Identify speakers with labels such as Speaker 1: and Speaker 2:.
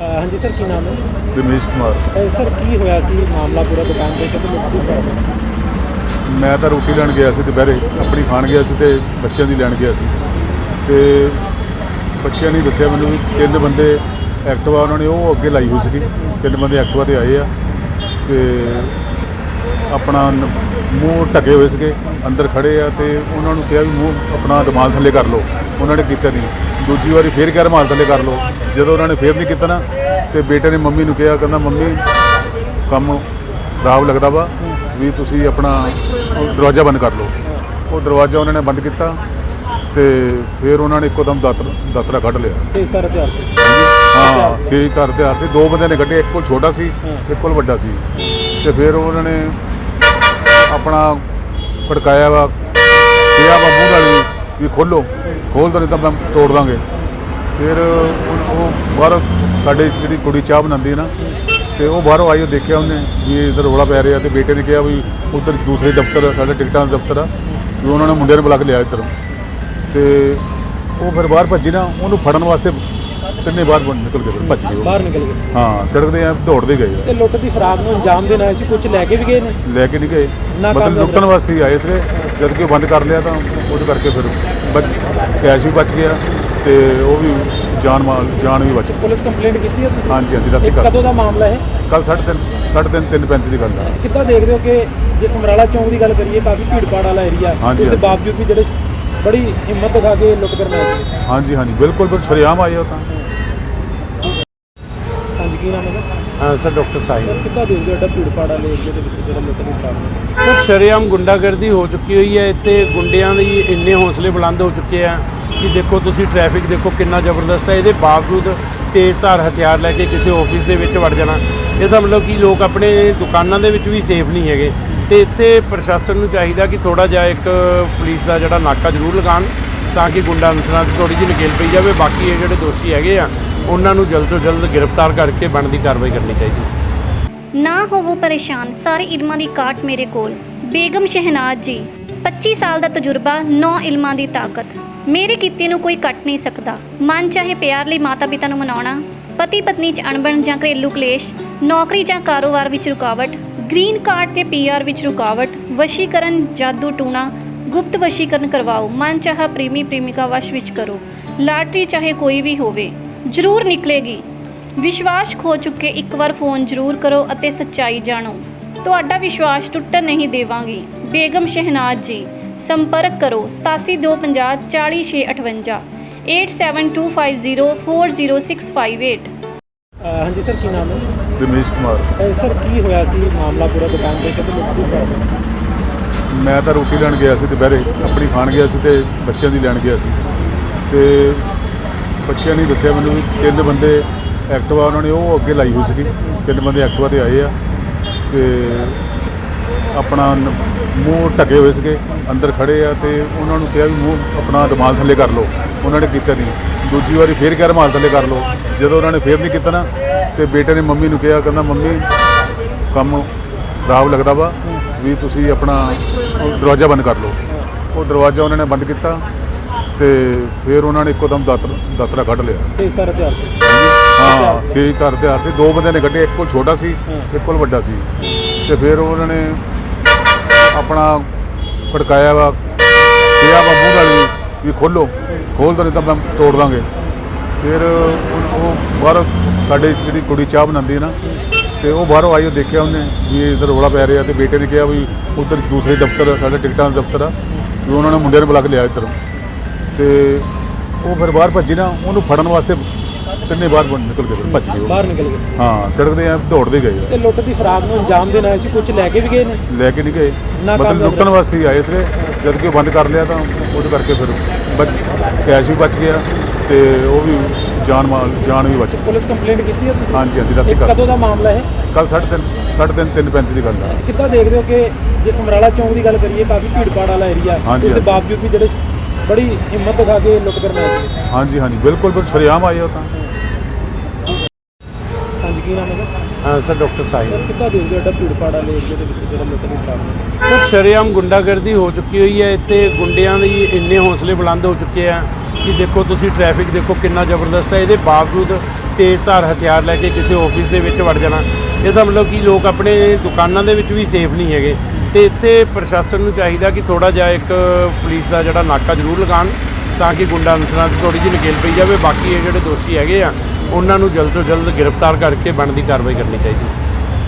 Speaker 1: हाँ जी सर, की नाम है?
Speaker 2: रमेश कुमार।
Speaker 1: सर की होया सी मामला पूरा दुकान पे तो लुੱਟ ਦੀ ਕਰ
Speaker 2: मैं तो रोटी लैन गया सी दुपहरे अपनी खान गया सी ते बच्चों की लैन गया सी ते बच्चों ने दस्सिया मैनूं भी 3 बंदे एक्टिवा उन्होंने वो अगे लाई हुई सी। 3 बंदे एक्टिवा ते आए आ ते अपना मूँह ढके हुए थे अंदर खड़े आ ते उन्होंने कहा भी मूँह अपना रुमाल थले कर लो। उन्होंने किया नहीं। दूजी बारी फिर क्या रुमाल थले कर लो। जो उन्होंने फिर नहीं किया ना तो बेटे ने मम्मी नूं कहा, कहंदा मम्मी काम खराब लगता वा भी तुसी अपना दरवाज़ा बंद कर लो। वो दरवाज़ा उन्होंने बंद किया तो फिर उन्होंने एकदम दातरा कढ़ लिया।
Speaker 1: तेज़धार हथियार से?
Speaker 2: हाँ, तेज़धार हथियार से 2 बंदे ने कढ़े, एक को छोटा सी एक को वड्डा सी ते फिर उन्होंने अपना खड़काया वा, कहा वा मूँह नाल भी खोलो, खोल दो नहीं तो मैं तोड़ देंगे। फिर वो बाहर साढ़े जी कुड़ी चाह बनाती ना तो वह बाहरों आई, देखा उन्हें भी इधर रौला पै रहा। तो बेटे ने कहा भी उधर दूसरे दफ्तर साढ़े टिकटा दफ्तर आ भी उन्होंने मुंडे बुला के लिया इधर। तो वो फिर बाहर भजी ना, उन्होंने फड़न वास्ते 3 बाहर निकल गए, भज गए
Speaker 1: बाहर निकल गए।
Speaker 2: हाँ, सड़क दे दौड़ते गए।
Speaker 1: लुੱਟ ਦੀ फराक ਨੂੰ अंजाम देना है कुछ लैके भी गए ने?
Speaker 2: लैके नहीं गए, मतलब लुटन वास्ते ही आए थे। जबकि बंद कर लिया तो वो करके फिर कैश भी बच गया तो वो भी जान भी बच गई।
Speaker 1: पुलिस कंप्लेंट की है?
Speaker 2: हाँ जी, हाँ जी, रात
Speaker 1: कदों का मामला है?
Speaker 2: कल 3:30 की गल है।
Speaker 1: कितना देख रहे हो कि जे समराला चौक की गल करिए काफ़ी भीड़ भाड़ वाला एरिया,
Speaker 2: हाँ जी,
Speaker 1: उसके बावजूद भी जो बड़ी हिम्मत दिखा के लुੱਟ करना है।
Speaker 2: हाँ जी, हाँ जी, बिल्कुल बिल्कुल शरेआम आए हो।
Speaker 1: हाँ जी, की नाम है सर?
Speaker 3: हाँ सर, डॉक्टर साहिब।
Speaker 1: सर कितना देख रहे हो भीड़ भाड़ वाले एरिया जो लुੱਟ ਦੀ ਫਰਾਕ
Speaker 3: ਸਰ ਸ਼ਰੇਆਮ ਗੁੰਡਾਗਰਦੀ ਹੋ ਚੁੱਕੀ ਹੋਈ ਹੈ ਇੱਥੇ। ਗੁੰਡਿਆਂ ਦੇ ਇੰਨੇ ਹੌਸਲੇ ਬੁਲੰਦ ਹੋ ਚੁੱਕੇ ਆ ਕਿ ਦੇਖੋ ਤੁਸੀਂ ਟ੍ਰੈਫਿਕ ਦੇਖੋ ਕਿੰਨਾ ਜ਼ਬਰਦਸਤ ਹੈ। ਇਹਦੇ ਬਾਵਜੂਦ ਤੇਜ਼ਧਾਰ ਹਥਿਆਰ ਲੈ ਕੇ ਕਿਸੇ ਆਫਿਸ ਦੇ ਵਿੱਚ ਵੜ ਜਾਣਾ, ਇਹਦਾ ਮਤਲਬ ਕਿ ਲੋਕ ਆਪਣੇ ਦੁਕਾਨਾਂ ਦੇ ਵਿੱਚ ਵੀ ਸੇਫ ਨਹੀਂ ਹੈਗੇ। ਤੇ ਇੱਥੇ ਪ੍ਰਸ਼ਾਸਨ ਨੂੰ ਚਾਹੀਦਾ ਕਿ ਥੋੜਾ ਜਿਹਾ ਇੱਕ ਪੁਲਿਸ ਦਾ ਜਿਹੜਾ ਨਾਕਾ ਜ਼ਰੂਰ ਲਗਾਉਣ ਤਾਂ ਕਿ ਗੁੰਡਾ ਅਨਸਰਾਂ 'ਤੇ ਥੋੜੀ ਜਿਹੀ ਨਕੇਲ ਪਈ ਜਾਵੇ। ਬਾਕੀ ਇਹ ਜਿਹੜੇ ਦੋਸ਼ੀ ਹੈਗੇ ਆ ਉਹਨਾਂ ਨੂੰ ਜਲਦ ਤੋਂ ਜਲਦ ਗ੍ਰਿਫਤਾਰ ਕਰਕੇ ਬਣਦੀ ਕਾਰਵਾਈ ਕਰਨੀ ਚਾਹੀਦੀ।
Speaker 4: ਨਾ ਹੋਵੋ ਪਰੇਸ਼ਾਨ, ਸਾਰੇ ਇਲਮਾਂ ਦੀ ਕਾਟ ਮੇਰੇ ਕੋਲ। ਬੇਗਮ ਸ਼ਹਿਨਾਜ਼ ਜੀ, 25 ਸਾਲ ਦਾ ਤਜਰਬਾ, 9 ਇਲਮਾਂ ਦੀ ਤਾਕਤ। ਮੇਰੇ ਕੀਤੇ ਨੂੰ ਕੋਈ ਕੱਟ ਨਹੀਂ ਸਕਦਾ। ਮਨ ਚਾਹੇ ਪਿਆਰ ਲਈ ਮਾਤਾ ਪਿਤਾ ਨੂੰ ਮਨਾਉਣਾ, ਪਤੀ ਪਤਨੀ 'ਚ ਅਣਬਣ ਜਾਂ ਘਰੇਲੂ ਕਲੇਸ਼, ਨੌਕਰੀ ਜਾਂ ਕਾਰੋਬਾਰ ਵਿੱਚ ਰੁਕਾਵਟ, ਗ੍ਰੀਨ ਕਾਰਡ ਤੇ PR ਵਿੱਚ ਰੁਕਾਵਟ, ਵਸ਼ੀਕਰਨ, ਜਾਦੂ ਟੂਣਾ, ਗੁਪਤ ਵਸ਼ੀਕਰਨ ਕਰਵਾਓ, ਮਨ ਚਾਹਾ ਪ੍ਰੇਮੀ ਪ੍ਰੇਮਿਕਾ ਵਸ਼ ਵਿੱਚ ਕਰੋ, ਲਾਟਰੀ ਚਾਹੇ ਕੋਈ ਵੀ ਹੋਵੇ ਜ਼ਰੂਰ ਨਿਕਲੇਗੀ। ਵਿਸ਼ਵਾਸ ਖੋ ਚੁੱਕੇ ਇੱਕ ਵਾਰ ਫੋਨ ਜ਼ਰੂਰ ਕਰੋ ਅਤੇ ਸੱਚਾਈ ਜਾਣੋ। ਤੁਹਾਡਾ ਵਿਸ਼ਵਾਸ ਟੁੱਟਣ ਨਹੀਂ ਦੇਵਾਂਗੀ। ਬੇਗਮ ਸ਼ਹਿਨਾਜ਼ ਜੀ, ਸੰਪਰਕ ਕਰੋ 8725 40658 8725040658।
Speaker 1: हाँ जी सर, की नाम है?
Speaker 2: रमेश कुमार।
Speaker 1: सर की होया सी मामला पूरा दुकान पे तो लुੱਟ ਦੀ ਕਰ
Speaker 2: मैं तो रोटी लैन गया सी दुपहरे अपनी खान गया सी ते बच्चों की लैन गया सी ते बच्चों ने दस्सिया मैनूं भी 3 बंदे एक्टिवा उन्होंने वो अगे लाई हुई सी। 3 बंदे एक्टिवा ते आए आ ते अपना मूँह ढके हुए थे अंदर खड़े आ तो उन्होंने कहा भी मूँह अपना रुमाल थले कर लो। उन्होंने किया नहीं। दूजी बारी फिर क्या रुमाल थले कर लो। जो उन्होंने फिर नहीं किया ना तो बेटे ने मम्मी नूं कहा, कहंदा मम्मी काम खराब लगता वा भी तुसी अपना दरवाज़ा बंद कर लो। वो दरवाज़ा उन्होंने बंद किया तो फिर उन्होंने एकदम दातरा कढ़ लिया।
Speaker 1: तेज़धार हथियार से?
Speaker 2: हाँ, तेज़धार हथियार से 2 बंदे ने कढ़े, एक को छोटा सी एक को वड्डा सी तो फिर उन्होंने अपना खड़काया वा, कहा वा मूँह नाल भी खोलो, खोल दो नहीं तो मैं तोड़ देंगे। फिर वो बाहर साढ़े जी कुड़ी चाह बनाती ना तो वह बाहरों आई, देखा उन्हें भी इधर रौला पै रहा। तो बेटे ने कहा भी उधर दूसरे दफ्तर साढ़े टिकटा दफ्तर आ भी उन्होंने मुंडे बुला के लिया इधर। तो वो फिर बाहर भजी ना, उन्होंने फड़न वास्ते 3 बाहर निकल गए, भज गए
Speaker 1: बाहर निकल गए।
Speaker 2: हाँ, सड़क दे दौड़ते गए।
Speaker 1: लुੱਟ ਦੀ फराक ਨੂੰ अंजाम देना है कुछ लैके भी गए ने?
Speaker 2: लैके नहीं गए, मतलब लुटन वास्ते ही आए थे। जबकि बंद कर लिया तो वो करके फिर कैश भी बच गया तो वो भी जान भी बच गई।
Speaker 1: पुलिस कंप्लेंट की है?
Speaker 2: हाँ जी, हाँ जी, रात
Speaker 1: कदों का मामला है?
Speaker 2: कल 3:35 की गल है।
Speaker 1: कितना देख रहे हो कि जे समराला चौक की गल करिए काफ़ी भीड़ भाड़ वाला एरिया,
Speaker 2: हाँ जी,
Speaker 1: उसके बावजूद भी जो बड़ी हिम्मत दिखा के लुੱਟ करना है।
Speaker 2: हाँ जी, हाँ जी, बिल्कुल बिल्कुल शरेआम आए हो।
Speaker 1: हाँ जी, की नाम है सर?
Speaker 3: हाँ सर, डॉक्टर साहिब।
Speaker 1: सर कितना देख रहे हो भीड़ भाड़ वाले एरिया जो लुੱਟ ਦੀ ਫਰਾਕ
Speaker 3: ਸਰ ਸ਼ਰੇਆਮ ਗੁੰਡਾਗਰਦੀ ਹੋ ਚੁੱਕੀ ਹੋਈ ਹੈ ਇੱਥੇ। ਗੁੰਡਿਆਂ ਦੇ ਇੰਨੇ ਹੌਸਲੇ ਬੁਲੰਦ ਹੋ ਚੁੱਕੇ ਆ ਕਿ ਦੇਖੋ ਤੁਸੀਂ ਟ੍ਰੈਫਿਕ ਦੇਖੋ ਕਿੰਨਾ ਜ਼ਬਰਦਸਤ ਹੈ। ਇਹਦੇ ਬਾਵਜੂਦ ਤੇਜ਼ਧਾਰ ਹਥਿਆਰ ਲੈ ਕੇ ਕਿਸੇ ਆਫਿਸ ਦੇ ਵਿੱਚ ਵੜ ਜਾਣਾ, ਇਹਦਾ ਮਤਲਬ ਕਿ ਲੋਕ ਆਪਣੇ ਦੁਕਾਨਾਂ ਦੇ ਵਿੱਚ ਵੀ ਸੇਫ ਨਹੀਂ ਹੈਗੇ। ਤੇ ਇੱਥੇ ਪ੍ਰਸ਼ਾਸਨ ਨੂੰ ਚਾਹੀਦਾ ਕਿ ਥੋੜ੍ਹਾ ਜਿਹਾ ਇੱਕ ਪੁਲਿਸ ਦਾ ਜਿਹੜਾ ਨਾਕਾ ਜ਼ਰੂਰ ਲਗਾਉਣ ਤਾਂ ਕਿ ਗੁੰਡਾ ਅਨਸਰਾਂ ਦੀ ਥੋੜ੍ਹੀ ਜਿਹੀ ਨਕੇਲ ਪਈ ਜਾਵੇ। ਬਾਕੀ ਇਹ ਜਿਹੜੇ ਦੋਸ਼ੀ ਹੈਗੇ ਆ ਉਹਨਾਂ ਨੂੰ ਜਲਦ ਤੋਂ ਜਲਦ ਗ੍ਰਿਫਤਾਰ ਕਰਕੇ ਬਣਦੀ ਕਾਰਵਾਈ ਕਰਨੀ ਚਾਹੀਦੀ।